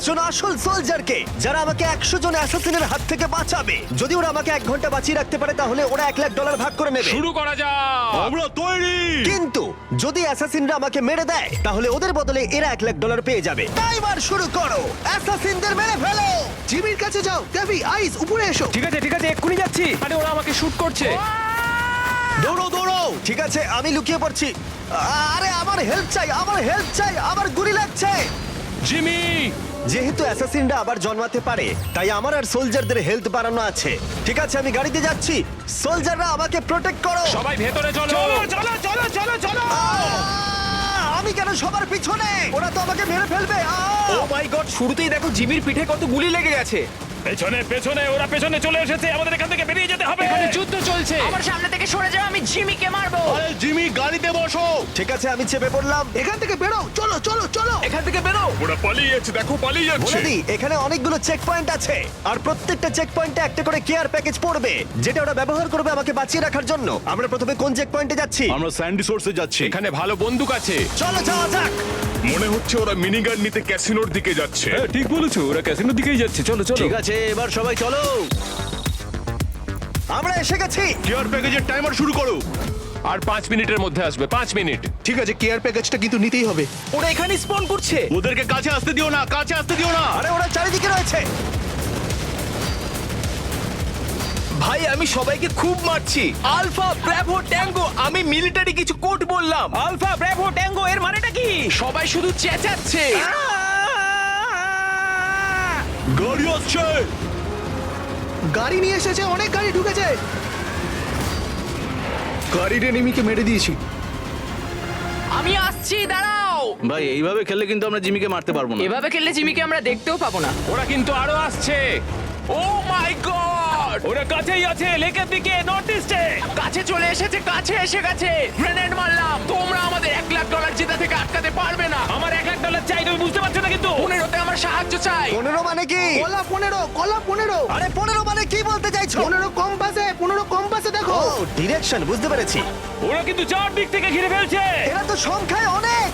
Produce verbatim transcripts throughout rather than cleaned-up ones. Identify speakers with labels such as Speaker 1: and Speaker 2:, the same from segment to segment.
Speaker 1: জন আসল সোলজারকে, যারা আমাকে একশো জন অ্যাসাসিনের হাত থেকে বাঁচাবে। যদি ওরা আমাকে এক ঘন্টা বাঁচিয়ে রাখতে পারে তাহলে ওরা এক লাখ ডলার ভাগ করে নেবে।
Speaker 2: শুরু করা যাক।
Speaker 3: আমরা তৈরি।
Speaker 1: কিন্তু যদি অ্যাসাসিনরা আমাকে মেরে দেয় তাহলে ওদের বদলে এরা এক লাখ ডলার পেয়ে যাবে। টাইমার শুরু করো, অ্যাসাসিনদের মেরে ফেলো।
Speaker 4: জিমির কাছে যাও। কেভি, আইস, উপরে এসো।
Speaker 5: ঠিক আছে ঠিক আছে এক্ষুনি যাচ্ছি।
Speaker 2: আরে ওরা আমাকে শুট করছে।
Speaker 1: দৌড়ো দৌড়ো। ঠিক আছে আমি লুকিয়ে পড়ছি। আরে আমার হেল্প চাই, আমার হেল্প চাই, আমার গুলি লাগছে।
Speaker 2: জিমি,
Speaker 1: যেহেতু অ্যাসাসিনরা আবার জন্মাতে পারে তাই আমার আর সোলজারদের হেলথ বাড়ানো আছে। ঠিক আছে আমি গাড়িতে যাচ্ছি, সোলজাররা আমাকে প্রোটেক্ট করো।
Speaker 2: সবাই ভেতরে চলো।
Speaker 5: চলো চলো চলো চলো।
Speaker 1: আহ! আমি কেন সবার পিছনে? ওরা তো আমাকে মেরে ফেলবে।
Speaker 5: ও মাই গড, শুরুতেই দেখো জিমির পিঠে কত গুলি লেগে গেছে।
Speaker 2: পেছনে পেছনে ওরা পেছনে চলে এসেছে, আমাদের এখান থেকে বেরিয়ে যেতে হবে। এখানে যুদ্ধ চলছে।
Speaker 6: আমার সামনে থেকে সরে যাও, আমি জিমিকে মারবো।
Speaker 3: আরে জিমি, গাড়িতে বসো।
Speaker 1: ঠিক আছে আমি চেপে পড়লাম।
Speaker 4: এখান থেকে বেরো। চলো চলো চলো।
Speaker 5: এখান থেকে বেরো।
Speaker 2: ওরা পালিয়ে যাচ্ছে, দেখো পালিয়ে
Speaker 1: বলে
Speaker 2: যাচ্ছে।
Speaker 1: দিই এখানে অনেকগুলো চেক পয়েন্ট আছে আর প্রত্যেকটা চেক পয়েন্টে একটা করে কেয়ার প্যাকেজ পড়বে যেটা ওরা ব্যবহার করবে আমাকে বাঁচিয়ে রাখার জন্য। আমরা প্রথমে কোন চেক পয়েন্টে যাচ্ছি?
Speaker 3: আমরা স্যান্ডি সোর্সে যাচ্ছি।
Speaker 2: এখানে ভালো বন্দুক আছে।
Speaker 1: চলো যাওয়া যাক।
Speaker 7: মনে হচ্ছে ওরা মিনিগান নিতে ক্যাসিনোর দিকে যাচ্ছে।
Speaker 5: হ্যাঁ ঠিক বলেছো, ওরা ক্যাসিনোর দিকেই যাচ্ছে। চলো চলো।
Speaker 3: ঠিক আছে, এবার সবাই চলো।
Speaker 1: আমরা এসে গেছি।
Speaker 3: কেয়ার প্যাকেজের টাইমার শুরু করো।
Speaker 2: আর পাঁচ মিনিটের মধ্যে আসবে, পাঁচ মিনিট।
Speaker 4: ঠিক আছে, কেয়ার প্যাকেজটা কিন্তু নিতেই হবে।
Speaker 5: ওরা এখানে স্পন করছে।
Speaker 3: ওদেরকে কাছে আসতে দিও না, কাছে আসতে দিও না।
Speaker 1: আরে ওরা চারিদিকে রয়েছে।
Speaker 5: ভাই আমি সবাইকে খুব মারছি। আলফা ব্র্যাভো ট্যাঙ্গো, আমি মিলিটারি কিছু কোড বললাম। আলফা ব্র্যাভো ট্যাঙ্গো এর মানেটা কি? সবাই শুধু চেঁচাচ্ছে।
Speaker 3: গাড়ি আসছে।
Speaker 4: গাড়ি নিয়ে এসেছে, অনেক গাড়ি ঢুকেছে। গাড়ির এনিমিকে মেরে দিয়েছি।
Speaker 6: আমি আসছি, দাঁড়াও।
Speaker 3: ভাই এইভাবে খেললে কিন্তু আমরা জিমিকে মারতে পারবো না।
Speaker 6: এভাবে খেললে জিমিকে আমরা দেখতেও পাবো না।
Speaker 2: ওরা কিন্তু আরো আসছে।
Speaker 5: ও মাই গড,
Speaker 2: ওরা কাছেই আছে, লেকের দিকে, নর্থ ইস্টে।
Speaker 6: কাছে চলে এসেছে, কাছে এসে গেছে। গ্রেনেড মারলাম। তোমরা আমাদের এক লাখ ডলার জেতা থেকে আটকাতে পারবে না।
Speaker 2: আমার এক লাখ ডলার চাই, তুমি বুঝতে পারছো না কিন্তু।
Speaker 6: পনেরোতে আমার সাহায্য চাই।
Speaker 1: পনেরো মানে কি?
Speaker 4: কলা পনেরো, কলা পনেরো।
Speaker 1: আরে পনেরো মানে কি বলতে চাইছো?
Speaker 4: পনেরো কম্পাসে, পনেরো কম্পাসে দেখো।
Speaker 1: ও ডিরেকশন বুঝতে পেরেছি।
Speaker 2: ওরা কিন্তু চার দিক থেকে ঘিরে ফেলছে।
Speaker 1: এরা তো সংখ্যায় অনেক।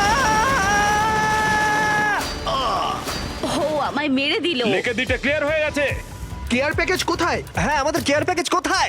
Speaker 8: ও আমায় মেরে দিল।
Speaker 2: লেকের দিকটা ক্লিয়ার হয়ে গেছে।
Speaker 4: কেয়ার প্যাকেজ কোথায়?
Speaker 1: হ্যাঁ আমাদের কেয়ার প্যাকেজ কোথায়?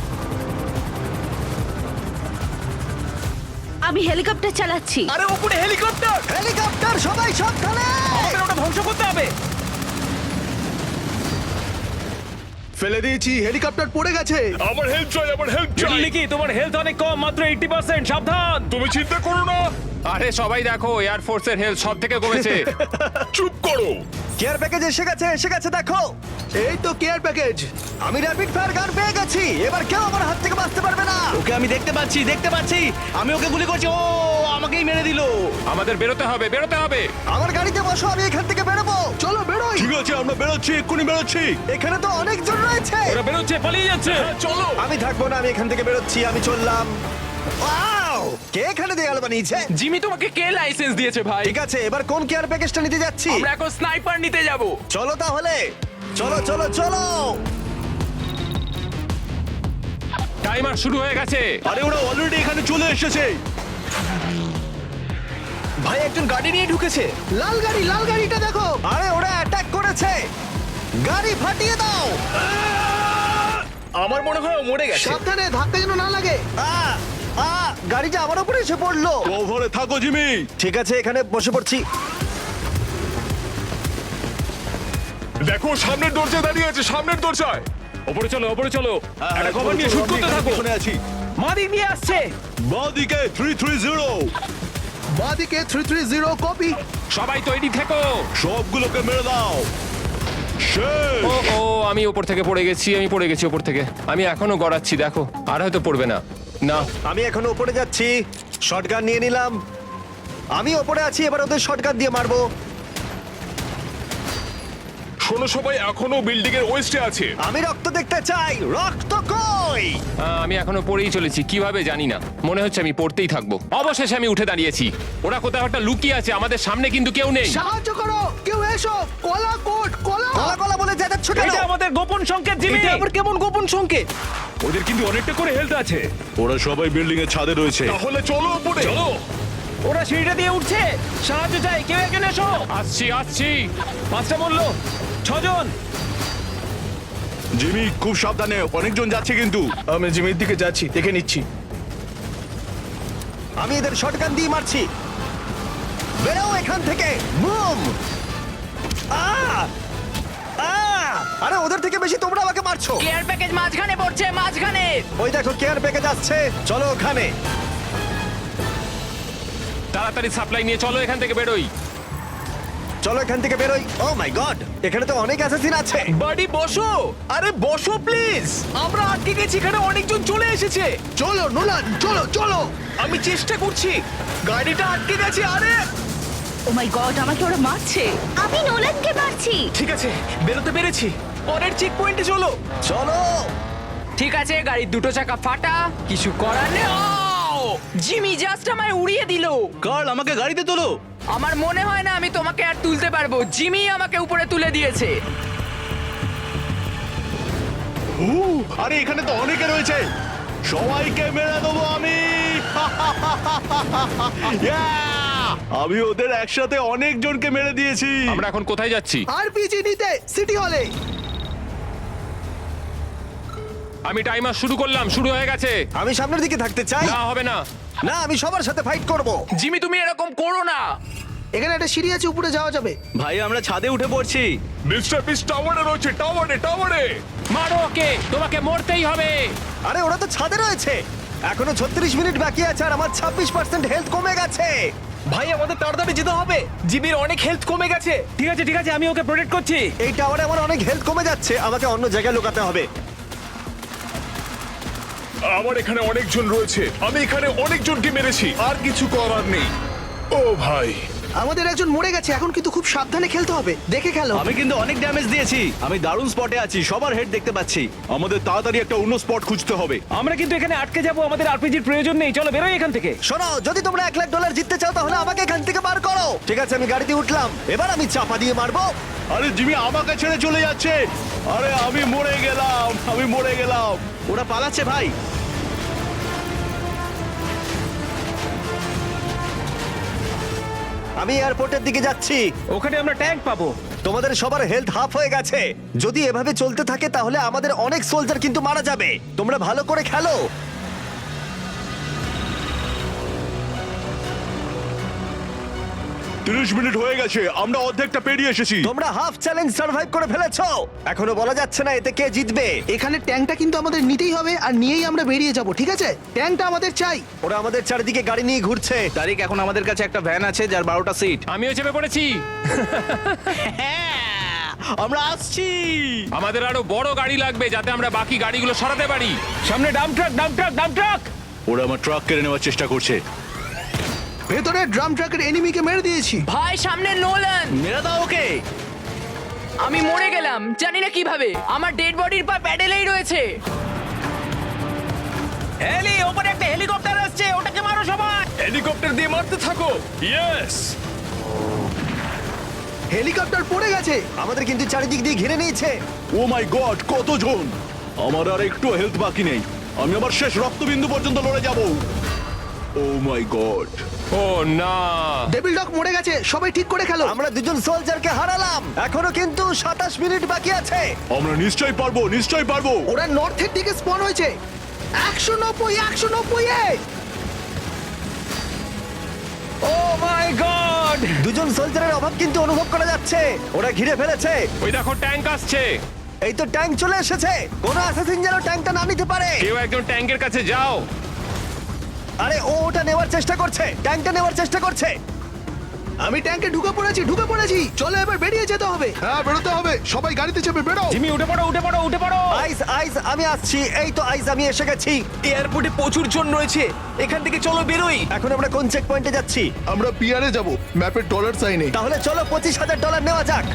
Speaker 8: আমি হেলিকপ্টার চালাচ্ছি।
Speaker 5: আরে উপরে হেলিকপ্টার।
Speaker 1: হেলিকপ্টার সবাই সাবধানে।
Speaker 5: আমাদের ওটা ধ্বংস করতে হবে।
Speaker 4: ফেলে দিয়েছি, হেলিকপ্টার পড়ে গেছে।
Speaker 7: আমার হেল্প চাই, আমার হেল্প চাই।
Speaker 2: লিকি, তোমার হেলথ অনেক কম, মাত্র এইটি পার্সেন্ট। সাবধান।
Speaker 7: তুমি চিন্তা করো না।
Speaker 2: আরে সবাই দেখো, এয়ার ফোর্সের হেলথ সব থেকে কমেছে।
Speaker 7: চুপ করো।
Speaker 1: কেয়ার প্যাকেজ এসে গেছে, এসে গেছে দেখো।
Speaker 4: এই তো কেয়ার প্যাকেজ।
Speaker 1: আমি র্যাপিড ফায়ার গান পেয়ে গেছি। এবার কেউ আমার হাত থেকে বাঁচতে পারবে না।
Speaker 3: ওকে আমি দেখতে পাচ্ছি, দেখতে পাচ্ছি। আমি ওকে গুলি করছি। ও আমাকেই মেরে দিল।
Speaker 2: আমাদের বেরোতে হবে, বেরোতে হবে।
Speaker 1: আমার গাড়িতে বসো, আমি এখান থেকে বেরোবো।
Speaker 4: চলো বেরোই।
Speaker 3: ঠিক আছে, আমরা বেরোচ্ছি, এক্ষুনি বেরোচ্ছি।
Speaker 1: এখানে তো অনেকজন রয়েছে।
Speaker 2: ওরা বেরোচ্ছে, পালিয়ে যাচ্ছে।
Speaker 7: চলো।
Speaker 1: আমি থাকবো না, আমি এখান থেকে বেরোচ্ছি, আমি চললাম। ওয়াও! কে এখানে দেয়াল বানিয়েছে?
Speaker 5: জিমি তোমাকে কে লাইসেন্স দিয়েছে ভাই?
Speaker 1: ঠিক আছে এবার কোন কেয়ার প্যাকেজটা নিতে যাচ্ছি?
Speaker 5: আমরা এখন স্নাইপার নিতে যাব।
Speaker 1: চলো তাহলে, চলো চলো চলো।
Speaker 2: টাইমার শুরু হয়ে গেছে।
Speaker 3: আরে ওরা অলরেডি এখানে চলে এসেছে।
Speaker 5: ভাই একজন গাড়ি নিয়ে ঢুকেছে।
Speaker 4: লাল গাড়ি, লাল গাড়িটা দেখো।
Speaker 1: আরে ওরা অ্যাটাক করেছে, গাড়ি ফাটিয়ে দাও।
Speaker 5: আমার মনে হয় ও মরে গেছে।
Speaker 4: সাবধানে, ধাক্কা যেন না লাগে।
Speaker 1: আ আ গাড়িটা আমার উপরে এসে পড়লো।
Speaker 3: ওভারে থাকো জিমি।
Speaker 1: ঠিক আছে এখানে বসে পড়ছি।
Speaker 7: দেখো সামনের দরজায় দাঁড়িয়ে আছে, সামনের দরজায়।
Speaker 2: ওপরে চলো, ওপরে চলো। একটা কভার নিয়ে
Speaker 3: চলো,
Speaker 2: শুট
Speaker 3: আমি
Speaker 2: করতে
Speaker 3: এখানে
Speaker 2: থাকো।
Speaker 3: পিছনে আছি।
Speaker 5: মাদিক নিয়ে আসছে।
Speaker 3: বাঁদিকে থ্রি থ্রি জিরো।
Speaker 4: বাদিকে থ্রি থ্রি জিরো কপি।
Speaker 2: সবাই তৈরি থেকো।
Speaker 3: সবগুলোকে মেরে দাও। শেষ।
Speaker 2: ও ও আমি ওপর থেকে পড়ে গেছি, আমি পড়ে গেছি ওপর থেকে। আমি এখনো গড়াচ্ছি, দেখো। আর হয়তো পড়বে না। না,
Speaker 1: আমি এখনো উপরে যাচ্ছি, শটগান নিয়ে নিলাম। আমি ওপরে আছি, এবার ওদের শটগান দিয়ে মারবো।
Speaker 7: শোনো সবাই, এখনো বিল্ডিং এর ওয়েস্টে আছে।
Speaker 1: আমি রক্ত দেখতে চাই, রক্ত কই?
Speaker 2: আহ, আমি এখনো পড়েই চলেছি, কিভাবে জানি না। মনে হচ্ছে আমি পড়তেই থাকবো। অবশেষে আমি উঠে দাঁড়িয়েছি। ওরা কোথাও একটা লুকিয়ে আছে, আমাদের সামনে কিন্তু কেউ নেই।
Speaker 4: সাহায্য করো, কেউ এসো। কলা কোট, কলা।
Speaker 1: কলা কলা বলে যাচ্ছ কেন?
Speaker 5: এটা আমাদের গোপন সংকেত জিমি। এটা আবার কেমন গোপন সংকেত?
Speaker 2: ওদের কিন্তু অনেকটা করে হেলথ আছে।
Speaker 3: ওরা সবাই বিল্ডিং এর ছাদে রয়েছে।
Speaker 7: তাহলে চলো উপরে। চলো।
Speaker 5: ওরা সিঁড়িটা দিয়ে উঠছে, সাহায্য চাই, কেউ একজন এসো।
Speaker 2: আসছি আসছি
Speaker 5: পাঁচটা মূল্য, ছজন।
Speaker 3: জিমি খুব সাবধানে, অনেকজন যাচ্ছে কিন্তু। আমি জিমির দিকে যাচ্ছি, দেখে নিচ্ছি।
Speaker 1: আমি এদের শটগান দিয়ে মারছি। বেরো এখান থেকে, বুম! আ! আ! আরে ওদের থেকে বেশি তোমরা আমাকে মারছো।
Speaker 6: কেয়ার প্যাকেজ মাঝখানে পড়ছে, মাঝখানে।
Speaker 1: ওই দেখো কেয়ার প্যাকেজ আসছে, চলো ওখানে।
Speaker 2: তাড়াতাড়ি সাপ্লাই নিয়ে চলো এখান থেকে বেরোই।
Speaker 1: চলো এখান থেকে বেরোই। ও মাই গড, এখানে তো অনেক অ্যাসাসিন আছে।
Speaker 5: বাড়ি বসো, আরে বসো প্লিজ। আমরা আটকে গেছি, এখানে অনেকজন চলে এসেছে।
Speaker 4: চলো নোলান, চলো চলো।
Speaker 5: আমি চেষ্টা করছি, গাড়িটা আটকে গেছে। আরে
Speaker 8: ও মাই গড, আমাকে ওরা মারছে। আমি নোলানকে মারছি।
Speaker 5: ঠিক আছে, বেরোতে পেরেছি। পরের চেক পয়েন্টে চলো।
Speaker 1: চলো।
Speaker 6: ঠিক আছে, গাড়ির দুটো চাকা ফাটা, কিছু করার নেই। আও! জিমি জাস্ট আমায় উড়িয়ে দিল।
Speaker 3: কার্ল, আমাকে গাড়িতে তোলো।
Speaker 6: আমার মনে হয় না আমি তোমাকে আর তুলতে পারবো। জিমি আমাকে উপরে তুলে দিয়েছে।
Speaker 3: উ, আরে এখানে তো অনেকে রয়েছে, সবাইকে মেরে দেবো আমি। Yeah! আমি ওদের একসাথে অনেক জনকে মেরে দিয়েছি।
Speaker 2: আমরা এখন কোথায় যাচ্ছি?
Speaker 4: আরপিজি নিতে সিটি হলে।
Speaker 2: আমি টাইমার শুরু করলাম, শুরু হয়ে গেছে।
Speaker 1: আমি সামনের দিকে থাকতে চাই।
Speaker 2: না হবে না।
Speaker 1: না, আমি সবার সাথে ফাইট করব।
Speaker 6: জিমি তুমি এরকম করো না।
Speaker 4: এখানে একটা সিঁড়ি আছে, উপরে যাওয়া যাবে।
Speaker 3: ভাই, আমরা ছাদে উঠে পড়ছি।
Speaker 7: মিস্টার বিস টাওয়ারে রয়েছে, টাওয়ারে টাওয়ারে
Speaker 2: মারো ওকে, তোমাকে মরতেই হবে।
Speaker 1: আরে ওরা তো ছাদে রয়েছে। এখনো ছত্রিশ মিনিট বাকি আছে আর আমার ছাব্বিশ পার্সেন্ট হেলথ কমে গেছে।
Speaker 5: ভাই, আমাদের তাড়াতাড়ি যেতে হবে, জিমির অনেক হেলথ কমে গেছে। ঠিক আছে ঠিক আছে, আমি ওকে প্রোটেক্ট করছি।
Speaker 1: এই টাওয়ারে আমার অনেক হেলথ কমে যাচ্ছে, আমাকে অন্য জায়গায় লুকাতে হবে।
Speaker 7: আমার এখানে অনেকজন রয়েছে, আমি এখানে অনেকজনকে মেরেছি, আর কিছু করার নেই। ও ভাই,
Speaker 4: আমাদের একজন মরে গেছে, এখন কিন্তু খুব সাবধানে খেলতে হবে, দেখে খেলো।
Speaker 3: আমি কিন্তু অনেক ড্যামেজ দিয়েছি, আমি দারুণ স্পটে আছি, সবার হেড দেখতে পাচ্ছি। আমাদের তাড়াতাড়ি একটা অন্য স্পট খুঁজতে হবে।
Speaker 5: আমরা কিন্তু এখানে আটকে যাবো, আমাদের আরপিজির প্রয়োজন নেই। চলো বেরোই এখান থেকে।
Speaker 1: শোনো, যদি তোমরা এক লাখ ডলার জিততে চাও তাহলে আমাকে এখান থেকে বার করো। ঠিক আছে, আমি গাড়িতে উঠলাম, এবার আমি চাপা দিয়ে মারবো।
Speaker 3: আরে জিমি আমাকে ছেড়ে চলে যাচ্ছে। আরে আমি মরে গেলাম, আমি মরে গেলাম। ওরা পালাচ্ছে ভাই।
Speaker 1: আমি এয়ারপোর্টের দিকে যাচ্ছি।
Speaker 5: ওখানে আমরা ট্যাঙ্ক পাবো।
Speaker 1: তোমাদের সবার হেলথ হাফ হয়ে গেছে। যদি এভাবে চলতে থাকে তাহলে আমাদের অনেক সোলজার কিন্তু মারা যাবে। তোমরা ভালো করে খেলো।
Speaker 3: তিরিশ মিনিট হয়ে গেছে, আমরা অর্ধেকটা পেরিয়ে এসেছি।
Speaker 1: তোমরা হাফ চ্যালেঞ্জ সার্ভাইভ করে ফেলেছো। এখনো বলা যাচ্ছে না এতে কে জিতবে।
Speaker 4: এখানে ট্যাঙ্কটা কিন্তু আমাদের নিতেই হবে, আর নিয়েই আমরা বেরিয়ে যাব, ঠিক আছে? ট্যাঙ্কটা আমাদের চাই।
Speaker 1: ওরা আমাদের চারিদিকে গাড়ি নিয়ে ঘুরছে।
Speaker 3: তারিখ, এখন আমাদের কাছে একটা ভ্যান আছে যার বারোটা সিট।
Speaker 2: আমিও চেপে পড়েছি।
Speaker 3: আমরা আসছি।
Speaker 2: আমাদের আরো বড় গাড়ি লাগবে যাতে আমরা বাকি গাড়িগুলো সরাতে পারি।
Speaker 5: সামনে dump truck, dump truck, dump truck.
Speaker 3: ওরা আমার ট্রাক কেড়ে নেওয়ার চেষ্টা করছে।
Speaker 4: ভেতরে ড্রাম ট্রাকের এনিমিকে মেরে দিয়েছি।
Speaker 6: ভাই সামনে নোলান।
Speaker 3: মেরে দাও ওকে।
Speaker 6: আমি মরে গেলাম, জানি না কিভাবে। আমার ডেড বডির পা প্যাডেলেই রয়েছে।
Speaker 5: হেলি, ওপরে একটা হেলিকপ্টার আসছে, ওটাকে মারো সবাই।
Speaker 7: হেলিকপ্টার দিয়ে মারতে থাকো। ইয়েস,
Speaker 4: হেলিকপ্টার পড়ে গেছে।
Speaker 1: আমাদের কিন্তু চারিদিক দিয়ে ঘিরে নিয়েছে।
Speaker 3: ও মাই গড, কতজন! আমার আর একটু হেলথ বাকি নেই, আমি আমার শেষ রক্তবিন্দু পর্যন্ত লড়ে যাব। ও মাই গড।
Speaker 2: ও না,
Speaker 4: ডেভিল ডগ মরে গেছে, সবাই ঠিক করে খেলো।
Speaker 1: আমরা দুজন সোলজারকে হারালাম। এখনো কিন্তু সাতাশ মিনিট বাকি আছে।
Speaker 3: আমরা নিশ্চয়ই পারবো, নিশ্চয়ই পারবো।
Speaker 4: ওরা নর্থের দিকে স্পন হয়েছে। একশো নব্বই, একশো নব্বই এ।
Speaker 5: ও মাই গড!
Speaker 1: দুজন সোলজারের অভাব কিন্তু অনুভব করা যাচ্ছে। ওরা ঘিরে ফেলেছে।
Speaker 2: ওই দেখো ট্যাঙ্ক আসছে।
Speaker 1: এই তো ট্যাঙ্ক চলে এসেছে। কোনো অ্যাসাসিন যেন ট্যাঙ্কটা না নিতে পারে।
Speaker 2: কেউ একজন ট্যাঙ্কের কাছে যাও।
Speaker 1: আরে ও ওটা নেওয়ার চেষ্টা করছে, ট্যাঙ্কটা নেওয়ার চেষ্টা করছে।
Speaker 4: আমি ট্যাঙ্কে ঢুকে পড়েছি, ঢুকে পড়েছি। চলো এবার বেরিয়ে যেতে হবে।
Speaker 7: হ্যাঁ বেরোতে হবে, সবাই গাড়িতে চেপে বেরো।
Speaker 5: জিমি উঠে পড়ো, উঠে পড়ো, উঠে পড়ো।
Speaker 1: আইস আইস আমি আসছি। এই তো আইস, আমি এসে গেছি।
Speaker 5: এয়ারপোর্টে প্রচুর জন রয়েছে, এখান থেকে চলো বেরোই।
Speaker 1: এখন আমরা কোন চেক পয়েন্টে যাচ্ছি?
Speaker 7: আমরা পিয়ারে যাব, ম্যাপের ডলার সাইনে।
Speaker 1: তাহলে চলো পঁচিশ হাজার ডলার নেওয়া যাক।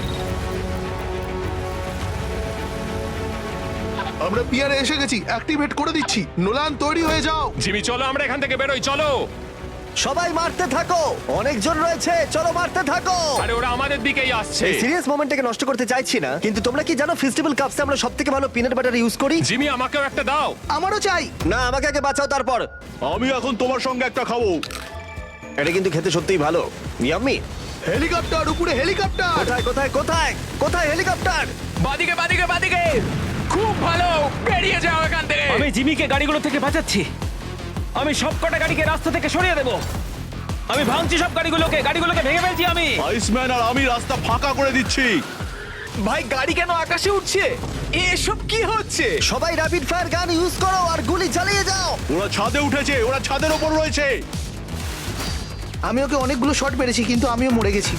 Speaker 7: আমরা পিয়ারে এসে গেছি, অ্যাক্টিভেট করে দিচ্ছি। নোলান তৈরি হয়ে যাও।
Speaker 2: জিমি চলো আমরা এখান থেকে বেরোই, চলো।
Speaker 1: সবাই মারতে থাকো, অনেকজন রয়েছে, চলো মারতে থাকো।
Speaker 2: আরে ওরা আমাদের দিকেই আসছে।
Speaker 1: এই সিরিয়াস মোমেন্টটাকে নষ্ট করতে চাইছি না, কিন্তু তোমরা কি জানো ফেস্টিভ্যাল কাপসে আমরা সবথেকে ভালো পিনাট বাটার ইউজ করি?
Speaker 2: জিমি আমাকেও একটা দাও।
Speaker 4: আমারও চাই।
Speaker 1: না, আমাকে আগে বাঁচাও তারপর।
Speaker 3: আমি এখন তোমার সঙ্গে একটা খাবো।
Speaker 1: এটা কিন্তু খেতে সত্যিই ভালো। ইয়াম্মি।
Speaker 4: হেলিকপ্টার উপরে হেলিকপ্টার।
Speaker 1: কোথায় কোথায় কোথায় কোথায় হেলিকপ্টার?
Speaker 6: বাদিকে বাদিকে বাদিকে খুব ভালো বেরিয়ে যাও এখান থেকে
Speaker 5: আমি জিমিকে গাড়িগুলো থেকে বাঁচাচ্ছি। আমি সবকটা গাড়িকে রাস্তা থেকে সরিয়ে দেব। আমি ভাঙছি সব গাড়িগুলোকে, গাড়িগুলোকে ভেঙে ফেলছি আমি।
Speaker 3: আইসম্যান আর আমি রাস্তা ফাঁকা করে দিচ্ছি।
Speaker 5: ভাই গাড়ি কেন আকাশে উঠছে? এসব কি হচ্ছে?
Speaker 1: সবাই র্যাপিড ফায়ার গান ইউজ করো আর গুলি চালিয়ে যাও।
Speaker 3: ওরা ছাদে উঠেছে, ওরা ছাদের ওপর রয়েছে।
Speaker 4: আমি ওকে অনেকগুলো শট মেরেছি কিন্তু আমিও মরে গেছি।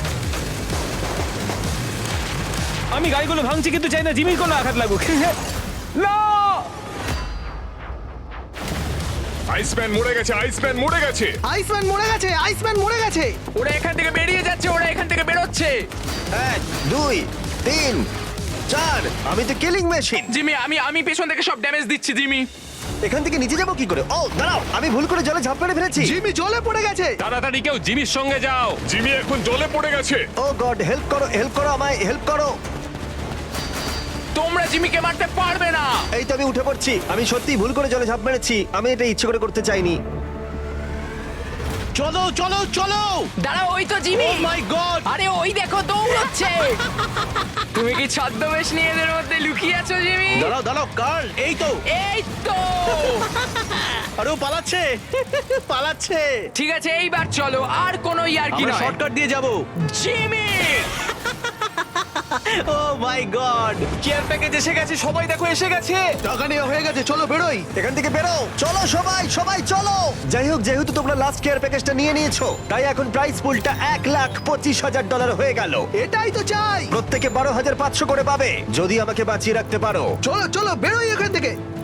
Speaker 5: আমি গাড়িগুলো ভাঙছি কিন্তু চাই না জিমির কোনো আঘাত লাগুক। না!
Speaker 7: আইসম্যান মরে গেছে, আইসম্যান মরে গেছে।
Speaker 4: আইসম্যান মরে গেছে, আইসম্যান মরে গেছে।
Speaker 6: ওরা এখান থেকে বেরিয়ে যাচ্ছে ওরা এখান থেকে বেরোচ্ছে
Speaker 1: এক দুই তিন চার। আমি তো কিলিং মেশিন।
Speaker 6: জিমি আমি আমি পেছন থেকে সব ড্যামেজ দিচ্ছি জিমি
Speaker 1: এখান থেকে নিচে যাবো কি করে? ও দাঁড়াও, আমি ভুল করে জলে ঝাঁপ মেরে ফেলেছি।
Speaker 4: জিমি জলে পড়ে গেছে।
Speaker 2: তাড়াতাড়ি কেউ জিমির সঙ্গে যাও।
Speaker 7: জিমি এখন জলে পড়ে গেছে।
Speaker 1: ও গড, হেল্প করো, হেল্প করো, আমায় হেল্প করো।
Speaker 6: তোমরা জিমিকে মারতে পারবে না
Speaker 1: এই তো আমি উঠে পড়ছি। আমি সত্যিই ভুল করে জলে ঝাঁপ মেরেছি। আমি এটা ইচ্ছে করে করতে চাইনি।
Speaker 3: চলো চলো চলো।
Speaker 6: দাঁড়াও ওই তো জিমি
Speaker 3: মাই গড!
Speaker 6: আরে ওই দেখো দৌড়চ্ছে তুমি কি ছদ্মবেশ নিয়ে এদের মধ্যে লুকিয়ে আছো জিমি
Speaker 3: দাঁড়াও দাঁড়াও কার্ল, এই তো।
Speaker 6: এই তো
Speaker 3: আরে ও পালাচ্ছে, পালাচ্ছে।
Speaker 6: ঠিক আছে এইবার চলো আর কোনো ইয়ার্কি
Speaker 3: আমরা
Speaker 6: নয়
Speaker 3: শর্টকাট দিয়ে যাব।
Speaker 6: Jimmy
Speaker 3: oh my God!
Speaker 5: Care package এসে গেছে, সবাই দেখো এসে গেছে।
Speaker 4: টাকা নেওয়া হয়ে গেছে, চলো বেরোই।
Speaker 1: এখান থেকে বেরো, চলো সবাই, সবাই চলো। যাই হোক, যেহেতু তোমরা লাস্ট কেয়ার প্যাকেজটা নিয়ে নিয়েছো, তাই এখন প্রাইস পুলটা এক লাখ পঁচিশ হাজার ডলার হয়ে গেল।
Speaker 4: এটাই তো চাই।
Speaker 1: প্রত্যেকে বারো হাজার পাঁচশো করে পাবে যদি আমাকে বাঁচিয়ে রাখতে পারো।
Speaker 4: চলো চলো বেরোই এখান থেকে।